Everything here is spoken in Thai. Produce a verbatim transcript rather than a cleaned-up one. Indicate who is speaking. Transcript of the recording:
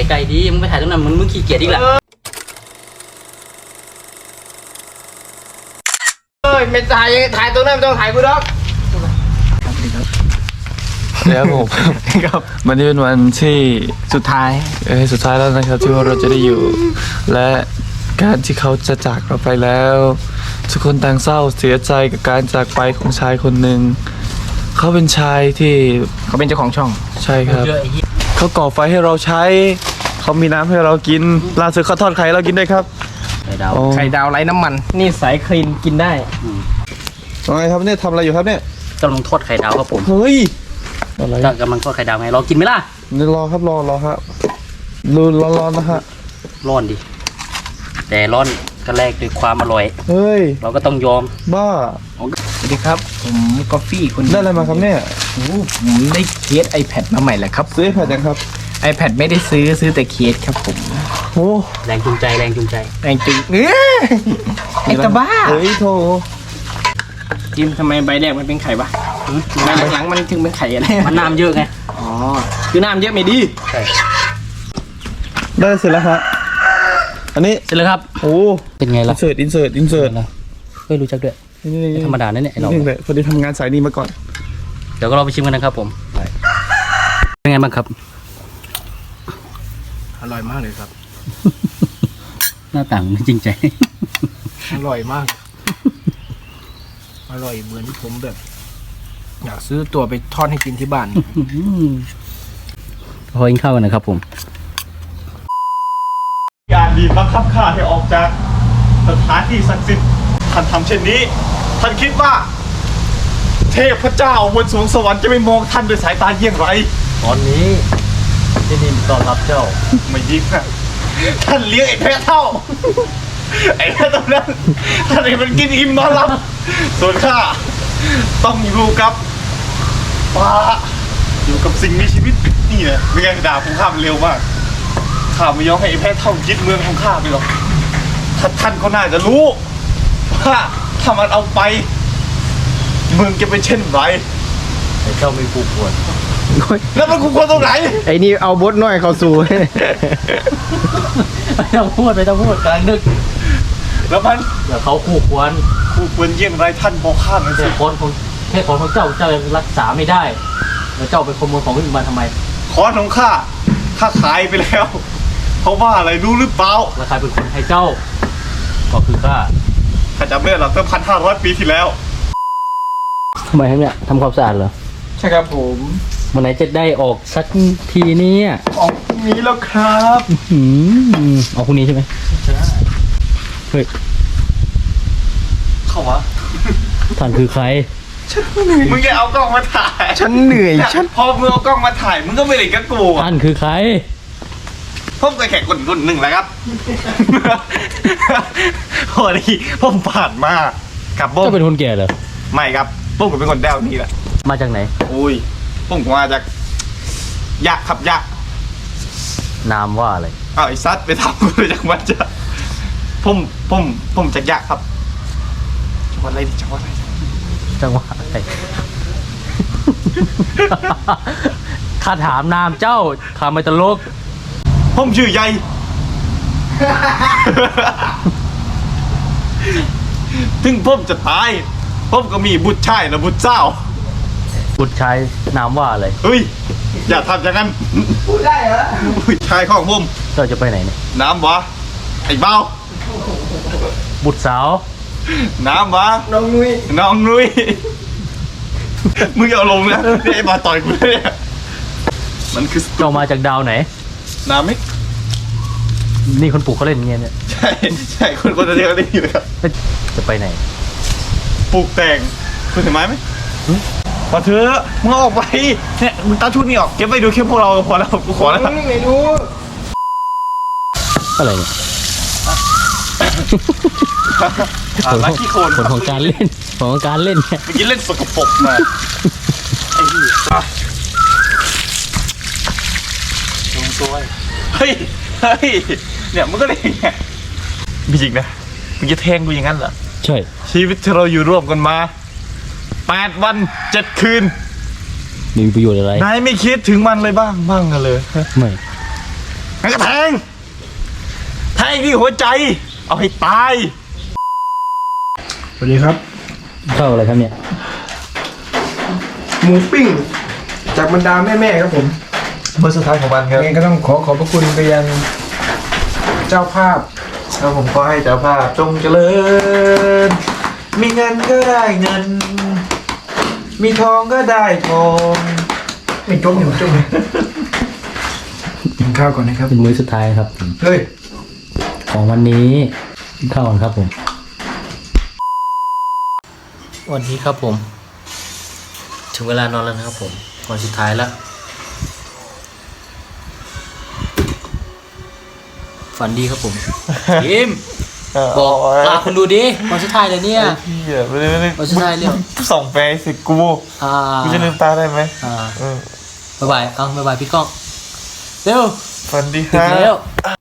Speaker 1: กลๆดีมึงไปถ่ายตรงนั้นมึงมึงขี้เกียจอีกแหละ
Speaker 2: เอ้ยไม่ถ่ายถ่ายตรงนั้นไม่ต้องถ่ายกูหรอก
Speaker 3: แล้วผมครับวันนี้เป็นวันที่สุดท้ายเออสุดท้ายแล้วนะครับที่เราจะได้อยู่และการที่เขาจะจากเราไปแล้วทุกคนต่างเศร้าเสียใจกับการจากไปของชายคนหนึ่งเขาเป็นชายที่เขาเป็นเจ้าของช่องใช่ครับเขาก่อไฟให้เราใช้เขามีน้ำให้เรากินล่าสุดเขาทอดไข่เรากินด้วยครับ
Speaker 1: ไข่ดาว
Speaker 2: ไข่ดาวไร้น้ำมันนี่สายคลีนกินได้
Speaker 3: ว่าไงครับเนี่ยทำอะไรอยู่ครับเนี่ย
Speaker 1: กำลังทอดไข่ดาวครับผม
Speaker 3: เฮ้ยอะไร
Speaker 1: กำลังทอดไข่ดาวไงรอกินไหมล่ะ
Speaker 3: นี่รอครับรอรอครับรูนร้อนๆนะฮะ
Speaker 1: ร้อนดิแต่ร้อนก็แลกด้วยความอร่อย
Speaker 3: เฮ้ย
Speaker 1: เราก็ต้องยอม
Speaker 3: บ้า
Speaker 2: สวัสดีครับผมกาแฟคน
Speaker 3: ได้อะไรมาครับเนี่ย
Speaker 2: โอ้ผมได้เคส iPad มาใหม่แหละครับ
Speaker 3: ซื้อ iPad ยังครับ
Speaker 2: iPad ไม่ได้ซื้อซื้อแต่เคสครับผม
Speaker 3: โอ้
Speaker 1: แรงจูงใจแรงจูงใจ
Speaker 2: แรงจูงเอ้ยไอ้ตาบ้า
Speaker 3: เฮ้ยโถ
Speaker 2: จิมทำไมใบแรกมันเป็นไข่ปะใบหลังๆมันถึงเป็นไข่อะไร
Speaker 1: มันน้ำเยอะไง
Speaker 2: อ๋อคือน้ำเยอะไม่ดี
Speaker 1: ใช่
Speaker 3: ได้เสร็จแล้วฮะอันนี้
Speaker 1: เสร็จแล้วครับ
Speaker 3: โอ้
Speaker 1: เป็นไงล่ะ
Speaker 3: อินเสิร์ตอินเสิร์ตอินเสิร์ต
Speaker 1: เฮ้ยรู้จักด้วยธรรมดาเนี่ยเนี่ยไอ้เรา
Speaker 3: คนที่ทำงานสายนี้มาก่อน
Speaker 1: เดี๋ยวก็เราไปชิมกันนะครับผมเป็นไงบ้างครับ
Speaker 2: อร่อยมากเลยครับ
Speaker 1: หน้าต่างจริงใจ
Speaker 2: อร่อยมากอร่อยเหมือนที่ผมแบบอยากซื้อตัวไปทอดให้กินที่บ้าน
Speaker 1: พอกินข้าวกันนะครับผม
Speaker 3: การบีบบังคับข้าให้ออกจากสถานที่ศักดิ์สิทธิ์ท่านทำเช่นนี้ท่านคิดว่าเทพเจ้าบนสวงสวรรค์จะไม่มองท่านด้วยสายตาเยี่ยงไร
Speaker 1: ตอนนี้ที่นี่ต้อนรับเจ้า
Speaker 3: ไม่ยิ่งนะท่านเลี้ยงไอ้แพะเท่าไอ้แพะตัวนั้นท่านไอ้มันกินอิ่มนอนหลับส่วนข้าต้องอยู่กับป่าอยู่กับสิ่งมีชีวิตนี่แหละไม่งั้นด่าผมข้ามเร็วมากข้าไม่ยอมให้ไอ้แพะเท่ายึดเมืองของข้าไปหรอกท่านท่านก็น่าจะรู้ว่าถ้ามันเอาไปเมืองจะเป็นเช่นไร
Speaker 1: ไอ้เจ้าไม่คู่ควร
Speaker 3: แล้วมันคู่ควรตรงไหน
Speaker 2: ไอ้นี่เอาบดน้อยเขาสู่
Speaker 1: ไม่ต้องพูดไม่ต้องพูดกำลังนึก
Speaker 3: แล้วมัน
Speaker 1: เดี๋ยวเขาคู่ควร
Speaker 3: คู่ควรเยี่ยงไรท่านบอกข้าหน่อยสิ
Speaker 1: แต่คนของแค่คนของเจ้าเจ้ายังรักษาไม่ได้แล้วเจ้าเป็นขโมยของคนอื่นมาทำไม
Speaker 3: ขอของข้าข้าขายไปแล้วเพราะว่าอะไรรู้หรือเปล่า
Speaker 1: แล้วใครเป็นคนให้เจ้าก็คือข้า
Speaker 3: ข้าจำได้หรอกตั้งพันห้าร้อยปีที่แล้ว
Speaker 1: ทำไมครับเนี่ยทำความสะอาดเหรอ
Speaker 3: ใช่ครับผม
Speaker 1: เมื่อไหร่จะได้ออกสักทีนี้
Speaker 3: ออกพรุ่งนี้แล้วครับ
Speaker 1: อืมออกพรุ่งนี้ใช่ไหม
Speaker 3: ใช่
Speaker 1: เฮ้ย
Speaker 3: เข้าวะ
Speaker 1: ท่านคือใคร
Speaker 3: ฉันเหนื่อยมึงจะเอากล้องมาถ่าย
Speaker 2: ฉันเหนื่อยฉัน
Speaker 3: พอมึงเอากล้องมาถ่ายมึงก็ไม่เล่นกับกู
Speaker 1: ท่านคือใคร
Speaker 3: ผมก็แค่คนคนหนึ่งแหละครับพอดีผมผ่านมากับผม
Speaker 1: จะเป็นคนแก่เหรอ
Speaker 3: ไม่ครับผมก็เป็นคนแดวนี่แหละ
Speaker 1: มาจากไหน
Speaker 3: อุ้ยผมมาจากยะครับยะ
Speaker 1: นามว่าอะไร
Speaker 3: อ้าวไอ้ซัดไปทำกูเลยจากมันจะผมผมผมจากยะครับจังหวัดอะไรจังหวัดอะไร
Speaker 1: จังหวัดอะไรข้าถามนามเจ้าข้าไม่ตลก
Speaker 3: ผมชื่อใหญ่ถึงผมจะตายผมก็มีบุตรชายและบุตรเจ้า
Speaker 1: บุตรชายนามว่าอะไร
Speaker 3: เฮ้ยอย่าทำอย่างนั้น
Speaker 2: พูดได้เหรอ
Speaker 3: บุตรชายของผม
Speaker 1: เจ้าจะไปไหนเนี่ย
Speaker 3: น้ำวะไอ้เบ้า
Speaker 1: บุตรสาว
Speaker 3: น้ำวะ
Speaker 2: น้องนุ้ย
Speaker 3: น้องนุ้ยมึงอย่าลงนะไอ้มาต่อยกูเนี่ยมันคือ
Speaker 1: เจ้ามาจากดาวไหน
Speaker 3: น้ำมิก
Speaker 1: นี่คนปลูกเขาเล่นเงี้ยเนี่ย
Speaker 3: ใช่ใช่คนคนเดียวเล่นอยู่ครับ
Speaker 1: จะไปไหน
Speaker 3: ปลูกแตงคุณเห็นไหมไหมพอเธอมึงออกไปเนี่ยมึงตัดชุดนี้ออกเก็บไปดูแค่พวกเราพอแล้วกูขอแล้ว
Speaker 2: ไม่ดู
Speaker 1: อะไรเนี่ย
Speaker 3: ลักกี้โคน
Speaker 1: ผลของการเล่นผลของการเล่นเนี่ย
Speaker 3: เมื่อกี้เล่นสกปรกมาไอ้ที่ลงตัวเฮ้ยเฮ้ยเนี่ยมึงก็เลยไงไม่จริงนะมึงจะแทงกูอย่างนั้นเหรอ
Speaker 1: ใช่
Speaker 3: ชีวิตที่เราอยู่ร่วมกันมาแปดวันเจ็ดคืน
Speaker 1: มีประโยชน์อะไร
Speaker 3: นายไม่คิดถึงมันเลยบ้างบ้างกันเลย
Speaker 1: ไม่
Speaker 3: งั้นก็แทงแทงที่หัวใจ เอาให้ตาย
Speaker 2: สวัสดีครับ
Speaker 1: เข้าอะไรครับเนี่ย
Speaker 2: หมูปิ้ง จากบรรดาแม่ๆครับผม
Speaker 3: เมื่อสุดท้ายของมันครับ
Speaker 2: ยังไงก็ต้องขอขอบพระคุณไปยังเจ้าภาพ
Speaker 3: แล้วผมก็ให้เจ้าภาพจงเจริญ มีเงินก็ได้เงิน มีทองก็ได้ทอง
Speaker 2: ไม่จมอยู่จมเลยกินข้าวก่อนนะครับ
Speaker 1: เป็นมื้อสุดท้ายครับผม
Speaker 2: เฮ้ย
Speaker 1: ของวันนี้กินข้าวก่อนครับผมวันนี้ครับผม ถึงเวลานอนแล้วนะครับผมวันสุดท้ายแล้วฝันดีครับผมยิมบอกลาคนดูดิวันสุดท้ายเลยเนี่ย
Speaker 3: พี่อ่ะไม่ได้ไม่ได้
Speaker 1: วันสุดท้ายเร็ว
Speaker 3: ส่องแฟนสิกู
Speaker 1: อ่า
Speaker 3: กูจะลืมตาได้ไหม
Speaker 1: อ่า
Speaker 3: เออ
Speaker 1: บ๊ายบายเอาบ๊ายบายพี่ก้องเร็ว
Speaker 3: ฝันดีค
Speaker 1: ถึ
Speaker 3: รั
Speaker 1: งแล้ว
Speaker 3: บ